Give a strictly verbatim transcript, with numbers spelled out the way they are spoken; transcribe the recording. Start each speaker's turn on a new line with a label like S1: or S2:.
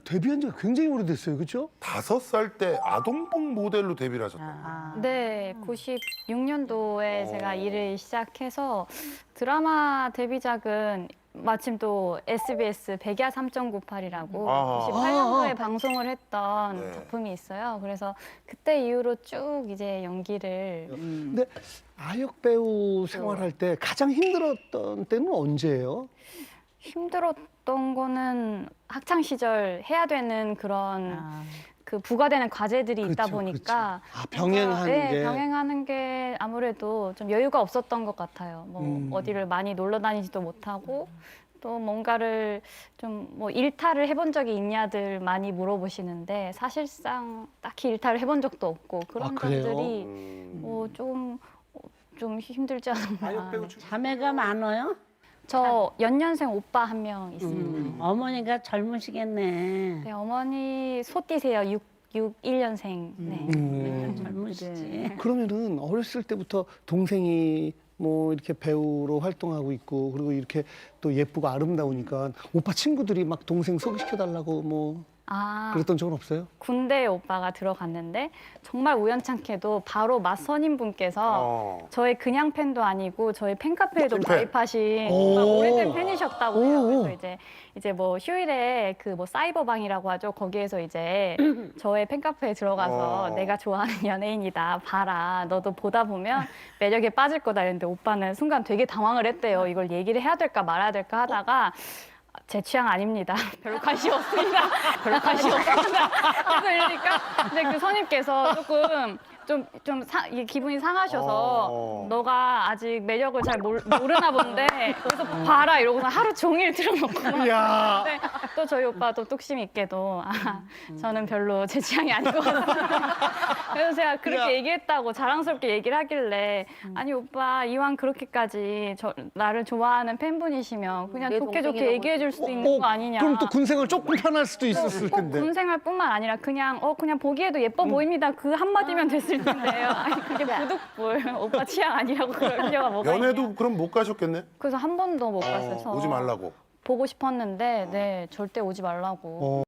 S1: 데뷔한 지가 굉장히 오래됐어요, 그렇죠?
S2: 다섯 살 때 아동복 모델로 데뷔를 하셨다.
S3: 아.
S4: 네, 구십육 년도에 제가 일을 시작해서 드라마 데뷔작은 마침 또 에스비에스 백야 삼 점 구팔이라고
S2: 아.
S4: 구십팔 년도에
S1: 아.
S4: 방송을 했던
S2: 네.
S4: 작품이 있어요. 그래서 그때 이후로 쭉 이제 연기를
S1: 근데 아역 배우 생활할 때 가장 힘들었던 때는 언제예요?
S4: 힘들었던 거는 학창 시절 해야 되는 그런
S3: 아.
S4: 그 부과되는 과제들이 있다
S1: 그렇죠,
S4: 보니까
S1: 그렇죠. 아, 병행하는
S4: 네,
S1: 게.
S4: 병행하는 게 아무래도 좀 여유가 없었던 것 같아요. 뭐
S1: 음.
S4: 어디를 많이 놀러 다니지도 못하고 또 뭔가를 좀 뭐 일탈을 해본 적이 있냐들 많이 물어보시는데 사실상 딱히 일탈을 해본 적도 없고 그런
S1: 아, 그래요?
S4: 점들이
S2: 음.
S4: 뭐 좀 좀 힘들지 않나.
S3: 자매가 많아요?
S4: 저 연년생 오빠 한 명 있습니다.
S3: 음, 어머니가 젊으시겠네.
S4: 네, 어머니 소띠세요. 육, 육일 년생. 네.
S1: 음.
S3: 젊으시지.
S1: 그러면은 어렸을 때부터 동생이 뭐 이렇게 배우로 활동하고 있고 그리고 이렇게 또 예쁘고 아름다우니까 오빠 친구들이 막 동생 소개시켜달라고 뭐
S4: 아,
S1: 그랬던 적은 없어요?
S4: 군대에 오빠가 들어갔는데 정말 우연찮게도 바로 맞선임분께서
S2: 어.
S4: 저의 그냥 팬도 아니고 저희 팬카페에도
S2: 찐팬.
S4: 가입하신
S1: 오.
S4: 정말 오래된 팬이셨다고 해요.
S1: 오.
S4: 그래서 이제 이제 뭐 휴일에 그 뭐 사이버방이라고 하죠. 거기에서 이제 저의 팬카페에 들어가서
S2: 어.
S4: 내가 좋아하는 연예인이다. 봐라. 너도 보다 보면 매력에 빠질 거다. 이랬는데 오빠는 순간 되게 당황을 했대요. 이걸 얘기를 해야 될까 말아야 될까 하다가 제 취향 아닙니다. 별로 관심 없습니다. 별로 관심 없습니다. 그래서 이러니까 근데 그 선임께서 조금 좀, 좀 사, 이게 기분이 상하셔서
S2: 어.
S4: 너가 아직 매력을 잘 모르, 모르나 본데 그래서 봐라 이러고서 하루 종일 틀어놓고 막
S1: 이야.
S4: 근데 또 저희 오빠 또 뚝심 있게도 아, 저는 별로 제 취향이 아닌 것 같습니다. 그래서 제가 그렇게
S1: 야.
S4: 얘기했다고 자랑스럽게 얘기를 하길래 아니 오빠 이왕 그렇게까지 저, 나를 좋아하는 팬분이시면 그냥
S5: 내
S4: 좋게 좋게
S5: 동생이라고
S4: 얘기해 줄 수도
S1: 어,
S4: 있는 거 아니냐.
S1: 그럼 또 군생활 조금 편할 수도 있었을
S4: 꼭
S1: 텐데.
S4: 군생활뿐만 아니라 그냥 어 그냥 보기에도 예뻐 보입니다. 그 한마디면 됐을 텐데요. 아니 그게 부득불 오빠 취향 아니라고 그럴 필요가 뭐가
S2: 연애도
S4: 있냐.
S2: 그럼 못 가셨겠네?
S4: 그래서 한 번도 못 갔어요.
S2: 어, 오지 말라고.
S4: 보고 싶었는데 네 절대 오지 말라고.
S1: 어.